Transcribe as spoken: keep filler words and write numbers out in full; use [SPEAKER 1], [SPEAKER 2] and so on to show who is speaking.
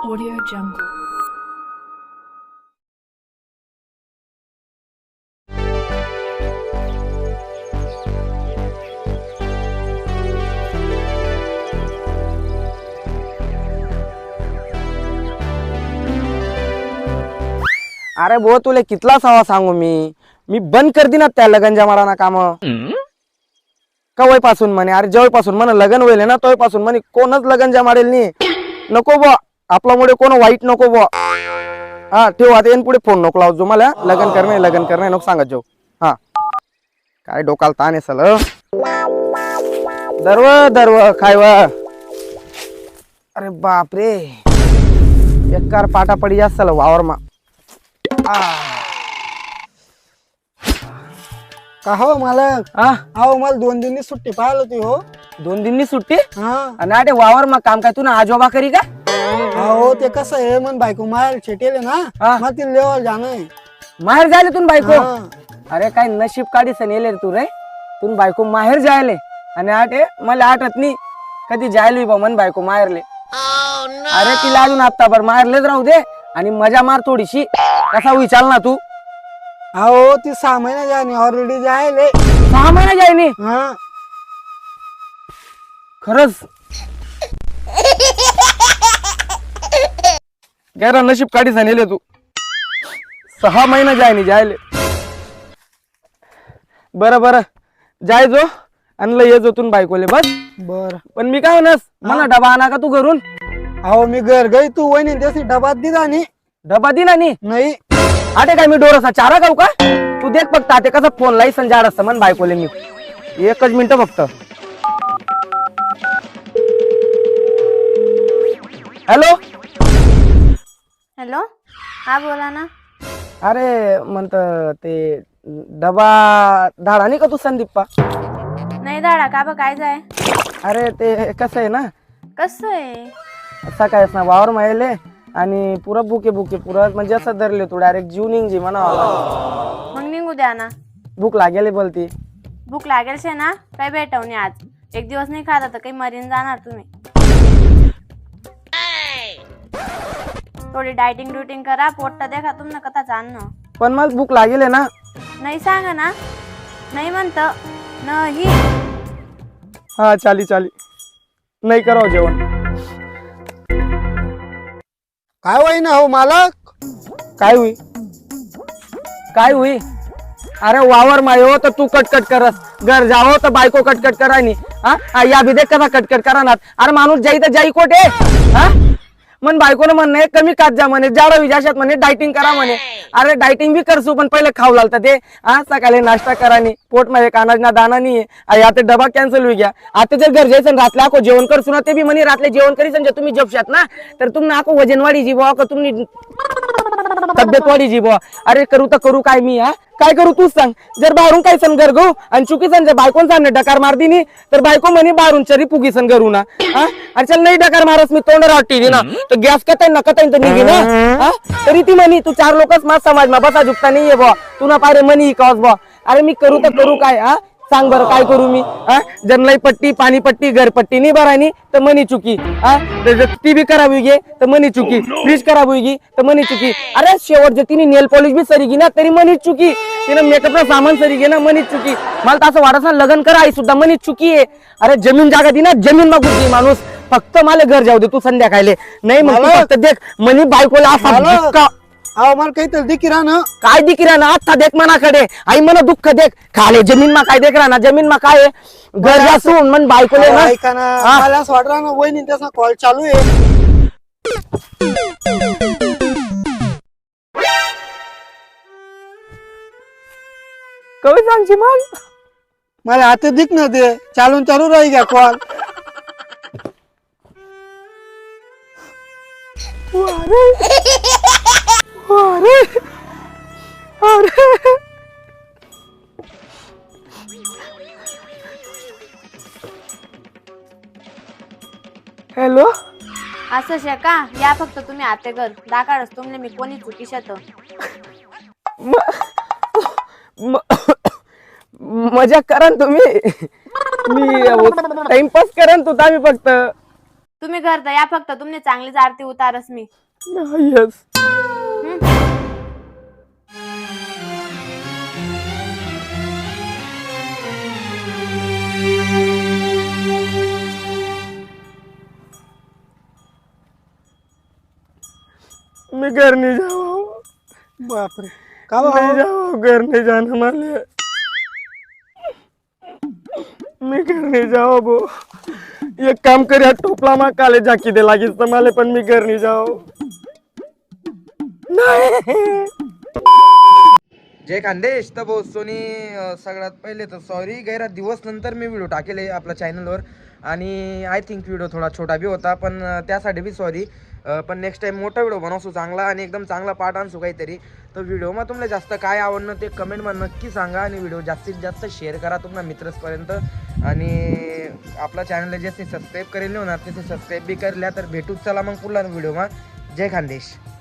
[SPEAKER 1] Audio Jungle.
[SPEAKER 2] अरे भो तुले कितला सवा सांगू मी मी बंद कर दी ना त्या लगन जमाराना काम कवय पासून म्हणे अरे जवळ पासून म्हणे लगन होईल ना तोय पासून म्हणे कोणच लगन जमारेल नाही नको बो आपल्यामुळे कोण वाईट नको बो हा ठेव आता येईन पुढे फोन नको लावजो मला लगन करणे लगन करणे नको सांगत जाऊ हा काय डोकाला ताण आहे सल दरव दरव खायव अरे बाप रे बेकार पाटा पडी जास्त वावर मा
[SPEAKER 3] का हो मालक
[SPEAKER 2] हा
[SPEAKER 3] अहो मला दोन दिनी सुट्टी पाहिलं होती हो
[SPEAKER 2] दोन दिननी सुट्टी
[SPEAKER 3] हा
[SPEAKER 2] आणि अरे वावर मग काम काय तू ना आजोबा करी का
[SPEAKER 3] अहो ते कसं आहे मन बायको माहेर छेटेले ना
[SPEAKER 2] हा.
[SPEAKER 3] मग ती लेवल जाणं
[SPEAKER 2] माहेर जायले तू बायको
[SPEAKER 3] हा.
[SPEAKER 2] अरे काय नशीब काढी सन येले रे तू रे तू बायको माहेर जायले आणि आटे मला आठत नाही कधी जायलो बा मन बायको माहेरले अरे तिला अजून आत्ताभर माहेरलेच राहू दे आणि मजा मार थोडीशी कसा विचार ना तू
[SPEAKER 3] अहो ती सहा महिने जाणे ऑलरेडी जायले
[SPEAKER 2] सहा महिना जायनी
[SPEAKER 3] हा
[SPEAKER 2] खरंच गैरा नशीब काढी सन तू सहा महिना जायनी जायले बरं बरं जाय जो आणलं ये जो तू बायकोले बस
[SPEAKER 3] बर
[SPEAKER 2] पण मी काय म्हणस मला डबा आणा का तू घरून
[SPEAKER 3] अहो मी घर गई तू वहिनी त्याची डबात दिला नी
[SPEAKER 2] डबा दे ना नी
[SPEAKER 3] नाही
[SPEAKER 2] आटे काय मी डोरसा चारा खाऊ का तू देख फक्त आते कसा फोन लाई संजाड असतं मन बायकोले मी एकच मिनिट फक्त हॅलो
[SPEAKER 4] हॅलो हा बोला ना.
[SPEAKER 2] अरे म्हणत ते डबा धाडा नाही का तू संदीप्पा
[SPEAKER 4] नाही दाडा का बा काय जाय
[SPEAKER 2] अरे ते कसं आहे ना
[SPEAKER 4] कसं आहे
[SPEAKER 2] सकाळीच ना वावर मायले आणि पुरा बुके बुके पुरा म्हणजे असं धरले तू डायरेक्ट जीव निघजी म्हणा
[SPEAKER 4] मग निघू द्या ना.
[SPEAKER 2] भूक लागेल बोलती
[SPEAKER 4] भूक लागेल शे ना काही भेटवणे आज एक दिवस नाही खाता तर काही मरीन जाणार तुम्ही. थोडी डायटिंग ड्युटिंग करा पोट्टा देखा तुमनं कथा जाणं
[SPEAKER 2] पण मग भूक लागेल ना
[SPEAKER 4] नाही सांगा ना नाही म्हणत नाही
[SPEAKER 2] हा चाली चाली नाही करावं जेवण
[SPEAKER 3] काय वहिनी हो मालक
[SPEAKER 2] काय होई काय होई अरे वावर मायो तर तू कटकट करस घर जावं तर बायको कटकट करानी हा या भी देख कसा कटकट करानात अरे माणूस जाई तर जाई कोठे हा मन बायकोनं म्हणणे कमी खात जा म्हणे जाडं विजाशात म्हणे डायटिंग करा म्हणे अरे डायटिंग बी करसू पण पहिले खाऊ लागतं ते हा सकाळी नाश्ता करानी पोट मध्ये कानाज ना दाना नाही आता डबा कॅन्सल होई गया आता जर घर जायचं रातले आको जेवण करसू ना ते बी म्हणे रातले जेवण करी समजा तुम्ही जपशात ना तर तुम्ही आको वजन वाढी जी बुवा का तुम्ही तब्येत वाढी जी बुवा अरे करू तर करू काय मी हा काय करू तूच सांग जर बाहेरून काय सन घर गो आणि चुकी सन जर बायकोन सांगणे डकार मार दिनी तर बायको म्हणे बाहेरून चरी पुगी सन करू ना हा आणि चल नाही डकार मारस मी तोंड राहती ना तर गॅस कताय ना कताय तर निघी ना हा तरी ती म्हणी तू चार लोकच माझ समाज मा बसा झुकता नाहीये बुवा तू ना पारे म्हणी कॉस बुवा अरे मी करू तर करू काय हा सांग बरं काय करू मी हा जन्मलाई पट्टी पाणी पट्टी घरपट्टी नाही भरायनी तर मनी चुकी हा ती बी करावी गे तर मनी चुकी फ्रीज करावी गे तर मनी चुकी अरे शेवट जर तिने नेल पॉलिश बी सरी गी ना तरी मनी चुकी तिने मेकअप सामान सरी घे ना मनी चुकी मला तर असं वाटत ना लग्न करा आई सुद्धा मनी चुकी आहे अरे जमीन जागा दी ना जमीन मागू माणूस फक्त मला घर जाऊ दे तू संध्याकाळले नाही मग फक्त देख मनी बायकोला असा धक्का
[SPEAKER 3] अहो मला काहीतरी दिकी राह ना
[SPEAKER 2] काय दिख रहा ना आता देख मनाकडे आई मना दुःख देख खाले जमीन मा काय देख रहा ना जमीन मा काय घर जासून मन बायकोले ना
[SPEAKER 3] ऐका ना मला असं वाटलं ना वहिनी त्याचा कॉल चालू आहे
[SPEAKER 2] कवी सांगची मग
[SPEAKER 3] मला आता दिख ना ते चालून चालू राही घ्या कॉल
[SPEAKER 2] अरे अरे हॅलो
[SPEAKER 4] असं शे का या फक्त तुम्ही आते घर दाकाडच तुमले मी कोणी चुकी शत
[SPEAKER 2] मजा करा ना तुम्ही मी टाइमपास करा ना तू आम्ही फक्त
[SPEAKER 4] तुम्ही घर तर या फक्त तुमने चांगलीच आरती उतारस मी
[SPEAKER 2] येस. मैं घर नहीं जाऊँ.
[SPEAKER 3] बापरे का
[SPEAKER 2] नहीं
[SPEAKER 3] भाऊ?
[SPEAKER 2] जाओ, घर नहीं जाना माले. मी घर नहीं जाओ बो. एक काम कर यार, टोपला मा काले जाकी दे लागीस तर माले, पण मी घर नहीं जाओ. नाही.
[SPEAKER 1] जय खानदेश. तर भाऊ सोनी अं, सगळ्यात पहिले तर सॉरी, गैरा दिवस नंतर मी व्हिडिओ टाकेल आपल्या चॅनलवर आणि आय थिंक व्हिडिओ थोडा छोटा बी होता, पण अं, त्यासाठी बी सॉरी. पण नेक्स्ट टाइम मोठा व्हिडिओ बनवसू चांगला आणि एकदम चांगला पार्ट आणसू काहीतरी. तर व्हिडिओમાં तुम्हाला जास्त काय आवडणं ते कमेंटमध्ये नक्की सांगा आणि व्हिडिओ जास्तीत जास्त शेअर करा तुमच्या मित्रांपर्यंत. आणि आपल्या चॅनलला जे सबस्क्राईब करेल होणार ते सबस्क्राईब बी करल्या तर भेटूच. चला मग पुढल्या व्हिडिओમાં. जय खानदेश.